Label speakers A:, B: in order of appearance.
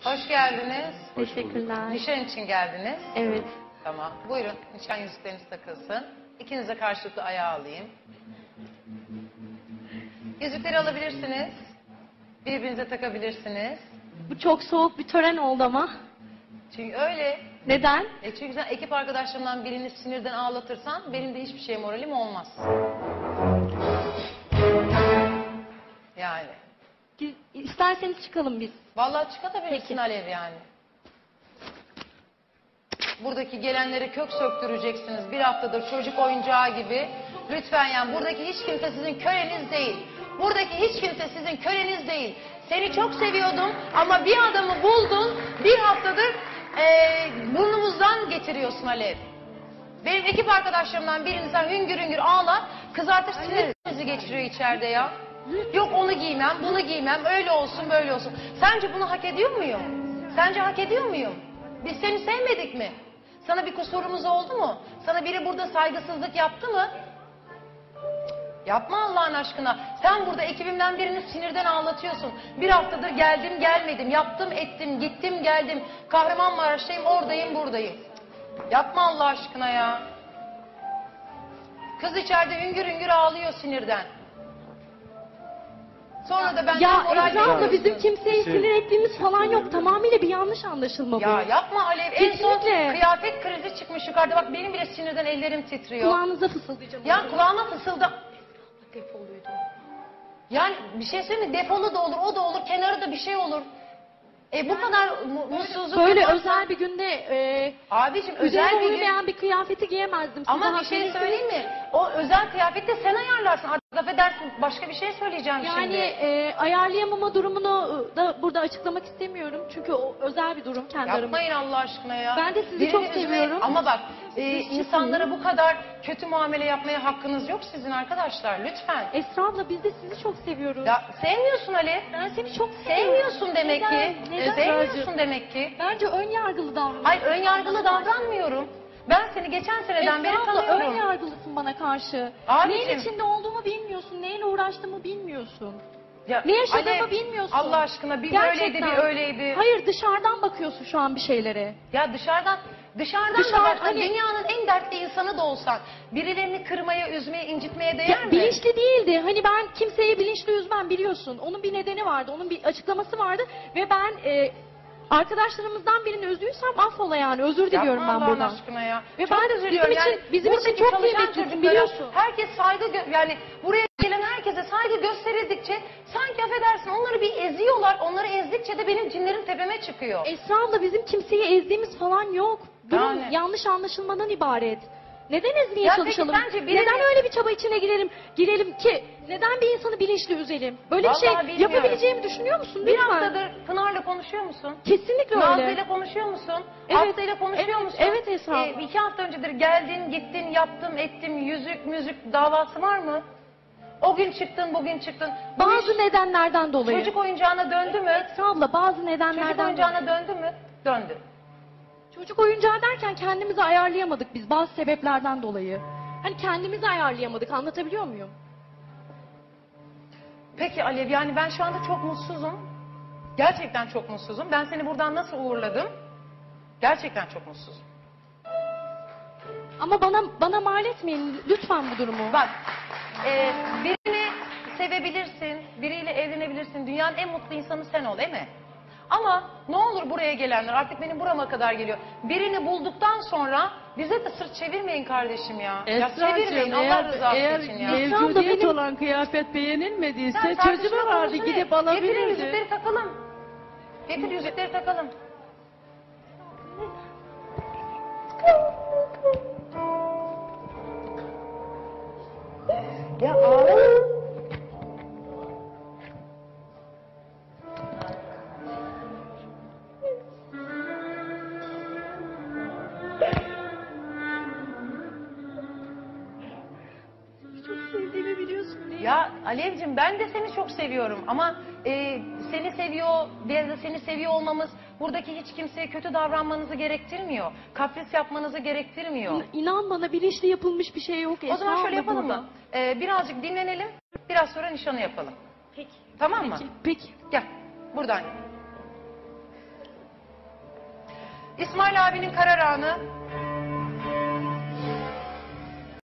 A: Hoş geldiniz.
B: Teşekkürler.
A: Nişan için geldiniz.
B: Evet.
A: Tamam. Buyurun nişan yüzükleriniz takılsın. İkinize karşılıklı ayağı alayım. Yüzükleri alabilirsiniz. Birbirinize takabilirsiniz.
B: Bu çok soğuk bir tören oldu ama.
A: Çünkü öyle.
B: Neden?
A: Çünkü sen ekip arkadaşlarımdan birini sinirden ağlatırsan benim de hiçbir şeye moralim olmaz. Yani.
B: İsterseniz çıkalım biz.
A: Vallahi çıkabilirsin
B: Peki.
A: Alev yani. Buradaki gelenlere kök söktüreceksiniz. Bir haftadır çocuk oyuncağı gibi. Lütfen yani buradaki hiç kimse sizin köleniz değil. Buradaki hiç kimse sizin köleniz değil. Seni çok seviyordum ama bir adamı buldun. Bir haftadır burnumuzdan getiriyorsun Alev. Benim ekip arkadaşlarımdan birini sen hüngür hüngür ağlar. Kızartır sinir krizi geçiriyor içeride ya. Yok onu giymem, bunu giymem, öyle olsun, böyle olsun. Sence bunu hak ediyor muyum? Sence hak ediyor muyum? Biz seni sevmedik mi? Sana bir kusurumuz oldu mu? Sana biri burada saygısızlık yaptı mı? Yapma Allah'ın aşkına. Sen burada ekibimden birini sinirden ağlatıyorsun. Bir haftadır geldim gelmedim, yaptım ettim, gittim geldim. Kahramanmaraş'tayım, oradayım, buradayım. Yapma Allah aşkına ya. Kız içeride hüngür hüngür ağlıyor sinirden. Sonra da ben
B: Ya Esra abla bizim kimseyi sinir ettiğimiz falan yok. Tamamıyla bir yanlış anlaşılma bu.
A: Ya yapma Alev. En son
B: Kesinlikle.
A: kıyafet krizi çıkmış yukarıda. Bak benim bile sinirden ellerim titriyor.
B: Kulağınıza fısıldayacağım.
A: Ya kulağıma fısılda. Defoluydu. Yani bir şey söyleyeyim mi? Defolu da olur, o da olur, kenarı da bir şey olur. Bu kadar mutsuzluk
B: Böyle
A: yaparsan-
B: özel bir günde
A: Abicim özel
B: üzerine
A: bir gün.
B: uymayan bir kıyafeti giyemezdim. Siz
A: Ama
B: daha
A: bir şey
B: haklısınız.
A: söyleyeyim mi? O özel kıyafeti de sen ayarlarsın. Artık affedersin başka bir şey söyleyeceğim
B: Yani
A: şimdi.
B: ayarlayamama durumunu da burada açıklamak istemiyorum. Çünkü o özel bir durum kendi aramızda.
A: Yapmayın Allah aşkına ya.
B: Ben de sizi
A: Birini
B: çok
A: üzmeyin.
B: seviyorum.
A: Ama bak
B: Siz
A: insanlara
B: çıkın.
A: bu kadar kötü muamele yapmaya hakkınız yok sizin arkadaşlar. Lütfen.
B: Esra abla biz de sizi çok seviyoruz.
A: Ya sevmiyorsun Ali.
B: Ben seni çok seviyorum.
A: Sevmiyorsun demek ki.
B: Neden?
A: Sevmiyorsun demek ki.
B: Bence ön yargılı davranıyorsun.
A: Hayır ön yargılı davranmıyorum. Ben seni geçen seneden beri
B: Esra abla ön
A: tanıyorum.
B: yargılısın bana karşı.
A: Abicim.
B: Neyin içinde olduğumu bilmiyorsun. Neyle uğraştığımı bilmiyorsun.
A: Ya,
B: Ne yaşadığımı
A: Alev,
B: bilmiyorsun.
A: Allah aşkına bir
B: Gerçekten.
A: böyleydi bir öyleydi.
B: Hayır dışarıdan bakıyorsun şu an bir şeylere.
A: Ya dışarıdan da baksan
B: hani-
A: dünyanın en dertli insanı da olsan birilerini kırmaya, üzmeye, incitmeye değer
B: Ya,
A: mi?
B: bilinçli değildi. Hani ben kimseyi bilinçli üzmem biliyorsun. Onun bir nedeni vardı. Onun bir açıklaması vardı. Ve ben arkadaşlarımızdan birini üzdüysem affola yani. Özür diliyorum
A: Yapma
B: ben
A: Allah'ın
B: buradan.
A: aşkına ya.
B: Ve
A: Çok
B: ben
A: üzülüyorum.
B: bizim için
A: buradaki
B: çok
A: çalışan
B: kıymetlisin,
A: çocuklara
B: biliyorsun.
A: Herkes saygı yani buraya gelen herkese saygı gösterildikçe sanki affedersin onları bir eziyorlar. Onları ezdikçe de benim cinlerim tepeme çıkıyor.
B: Esra abla bizim kimseyi ezdiğimiz falan yok. Durum
A: Yani.
B: yanlış anlaşılmadan ibaret. Neden ezmeye
A: Ya peki
B: çalışalım?
A: bence birini-
B: Neden öyle bir çaba içine girelim ki? Neden bir insanı bilinçli üzelim? Böyle bir
A: Vallahi
B: şey
A: bilmiyorum.
B: yapabileceğimi düşünüyor musun?
A: Bir
B: Lütfen.
A: haftadır Pınar'la konuşuyor musun?
B: Kesinlikle öyle.
A: Nazlı'yla konuşuyor musun?
B: Evet,
A: Aslı'yla konuşuyor
B: evet,
A: musun?
B: evet Esra abla.
A: 2 hafta öncedir geldin, gittin, yaptım, ettim, yüzük, müzik davası var mı? O gün çıktın, bugün çıktın. Bu
B: Bazı
A: iş
B: nedenlerden dolayı.
A: çocuk oyuncağına döndü mü?
B: Esra abla bazı
A: Çocuk
B: nedenlerden
A: oyuncağına
B: dolayı.
A: döndü mü? Döndü.
B: Çocuk oyuncağı derken kendimizi ayarlayamadık biz bazı sebeplerden dolayı. Hani kendimizi ayarlayamadık, anlatabiliyor muyum?
A: Peki Alev, yani ben şu anda çok mutsuzum. Gerçekten çok mutsuzum. Ben seni buradan nasıl uğurladım? Gerçekten çok mutsuzum.
B: Ama bana mal etmeyin lütfen bu durumu.
A: Bak, birini sevebilirsin, biriyle evlenebilirsin. Dünyanın en mutlu insanı sen ol, değil mi? Ama ne olur buraya gelenler, artık benim burama kadar geliyor. Birini bulduktan sonra bize de sırt çevirmeyin kardeşim ya. Ya çevirmeyin Allah rızası için ya.
C: Mevcudiyet
B: benim-
C: olan kıyafet beğenilmediyse
A: Sen
C: çocuğu
A: tartışma
C: vardı
A: konusu
C: gidip
A: ne?
C: alabilirdi.
A: Getirin yüzükleri takalım. Getir yüzükleri takalım. Ya ağlama.
B: Çok sevdiğimi biliyorsun değil mi?
A: Ya Alevcim ben de seni çok seviyorum ama seni seviyor, biz de seni seviyor olmamız buradaki hiç kimseye kötü davranmanızı gerektirmiyor. Kapris yapmanızı gerektirmiyor.
B: İnan bana bilinçli yapılmış bir şey yok.
A: O zaman
B: Esra
A: şöyle
B: abla
A: yapalım
B: burada.
A: mı? Birazcık dinlenelim, biraz sonra nişanı yapalım.
B: Peki.
A: Tamam mı?
B: Peki. Peki.
A: Gel, buradan. İsmail abinin karar anı.